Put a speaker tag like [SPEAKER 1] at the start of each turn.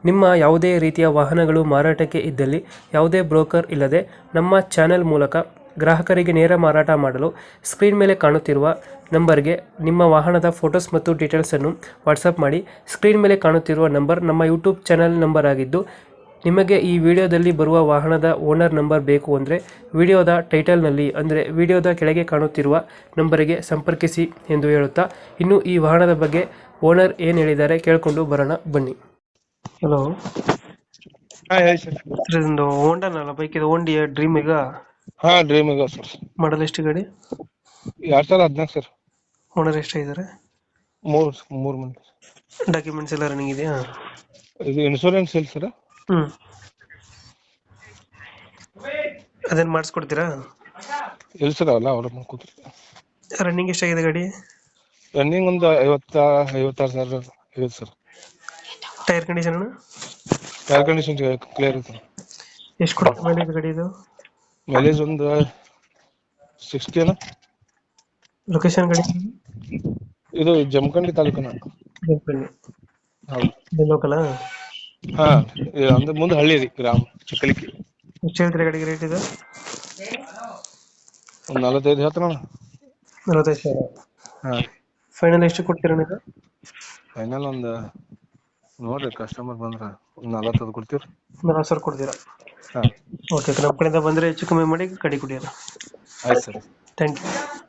[SPEAKER 1] ನಿಮ್ಮ ಯಾವುದೇ ರೀತಿಯ ವಾಹನಗಳು ಮಾರಾಟಕ್ಕೆ ಇದ್ದಲ್ಲಿ ಯಾವುದೇ ಬ್ರೋಕರ್ ಇಲ್ಲದೆ ನಮ್ಮ ಚಾನೆಲ್ ಮೂಲಕ ಗ್ರಾಹಕರಿಗೆ ನೇರ ಮಾರಾಟ ಮಾಡಲು ಸ್ಕ್ರೀನ್ ಮೇಲೆ ಕಾಣುತ್ತಿರುವ ನಂಬರ್ಗೆ ನಿಮ್ಮ ವಾಹನದ ಫೋಟೋಸ್ ಮತ್ತು ಡೀಟೇಲ್ಸನ್ನು ವಾಟ್ಸಪ್ ಮಾಡಿ. ಸ್ಕ್ರೀನ್ ಮೇಲೆ ಕಾಣುತ್ತಿರುವ ನಂಬರ್ ನಮ್ಮ ಯೂಟ್ಯೂಬ್ ಚಾನೆಲ್ ನಂಬರ್ ಆಗಿದ್ದು, ನಿಮಗೆ ಈ ವಿಡಿಯೋದಲ್ಲಿ ಬರುವ ವಾಹನದ ಓನರ್ ನಂಬರ್ ಬೇಕು ಅಂದರೆ ವಿಡಿಯೋದ ಟೈಟಲ್ನಲ್ಲಿ ಅಂದರೆ ವಿಡಿಯೋದ ಕೆಳಗೆ ಕಾಣುತ್ತಿರುವ ನಂಬರಿಗೆ ಸಂಪರ್ಕಿಸಿ ಎಂದು ಹೇಳುತ್ತಾ, ಇನ್ನು ಈ ವಾಹನದ ಬಗ್ಗೆ ಓನರ್ ಏನು ಹೇಳಿದ್ದಾರೆ ಕೇಳಿಕೊಂಡು ಬರೋಣ ಬನ್ನಿ. ಹಲೋ
[SPEAKER 2] ಹಾ ಹೇಳಿ ಸರ್.
[SPEAKER 1] ಇದೊಂದು ಹೋಂಡಾನಲ್ಲ ಬೈಕ್, ಇದು ಹೋಂಡಿಯ ಡ್ರೀಮ್ ಈಗ
[SPEAKER 2] ಹಾ ಡ್ರೀಮ್ ಇದೆ ಸರ್.
[SPEAKER 1] ಮಾಡಲ್ ಎಷ್ಟು ಗಾಡಿ?
[SPEAKER 2] 2014 ಸರ್.
[SPEAKER 1] ಓನರ್ ಎಷ್ಟಾಗಿದ್ದಾರೆ?
[SPEAKER 2] ಮೂರ್ ಮಂದಿ.
[SPEAKER 1] ಡಾಕ್ಯುಮೆಂಟ್ಸ್ ಎಲ್ಲ ರನ್ನಿಂಗ್ ಇದೆಯಾ?
[SPEAKER 2] ಇದು ಇನ್ಶೂರೆನ್ಸ್ ಇಲ್ಲ ಸರ್.
[SPEAKER 1] ಅದೇನು ಮಾಡಿಸ್ಕೊಡ್ತೀರಾ?
[SPEAKER 2] ಇಲ್ಲ ಸರ್, ಅಲ್ಲ ಅವ್ರ ಕೂತ್ರಿ.
[SPEAKER 1] ರನ್ನಿಂಗ್ ಎಷ್ಟಾಗಿದೆ ಗಾಡಿ?
[SPEAKER 2] ರನ್ನಿಂಗ್ ಒಂದು 56 ಸಾವಿರ ಇದೆ sir.
[SPEAKER 1] Tyre condition
[SPEAKER 2] air condition clear ಇದೆ.
[SPEAKER 1] ಎಷ್ಟು ಕೊಡುತ್ತೆ ಮೈಲೇಜ್ ಗಾಡಿ ಇದು?
[SPEAKER 2] ಮೈಲೇಜ್ ಒಂದು 60 ಅಲ್ಲ.
[SPEAKER 1] ಲೊಕೇಶನ್ ಗಾಡಿ
[SPEAKER 2] ಇದು ಜಮಖಂಡಿ ತಾಲೂಕಿನ. ಹೌದು.
[SPEAKER 1] ಲೋಕಲ್?
[SPEAKER 2] ಹಾ, ಅಂದ್ರೆ ಮುಂದೆ ಹಳ್ಳಿ ರೀ, ಗ್ರಾಮ ಚಿಕ್ಕಲಿಕ್ಕಿ.
[SPEAKER 1] ಎಷ್ಟು ಹೇಳ್ತೀರಾ ಗಾಡಿಗೆ ರೇಟ್ ಇದು?
[SPEAKER 2] ಒಂದು 45 ಹೇಳ್ತಾನ.
[SPEAKER 1] 45,000.
[SPEAKER 2] ಹಾ,
[SPEAKER 1] ಫೈನಲ್ ಎಷ್ಟು ಕೊಡ್ತೀರಾ ನೀವು?
[SPEAKER 2] ಫೈನಲ್ ಒಂದು ನೋಡ್ರಿ, ಕಸ್ಟಮರ್ ಬಂದ್ರ ಒಂದು 40 ಕೊಡ್ತೀವಿ.
[SPEAKER 1] 40,000 ಕೊಡ್ತೀರಾ?
[SPEAKER 2] ಹಾ
[SPEAKER 1] ಓಕೆ, ನಮ್ಮ ಕಡೆಯಿಂದ ಬಂದರೆ ಹೆಚ್ಚು ಕಮ್ಮಿ ಮಾಡಿ ಗಾಡಿ ಕೊಡಿಯೋಣ.
[SPEAKER 2] ಆಯ್ತು ಸರ್.
[SPEAKER 1] Thank you.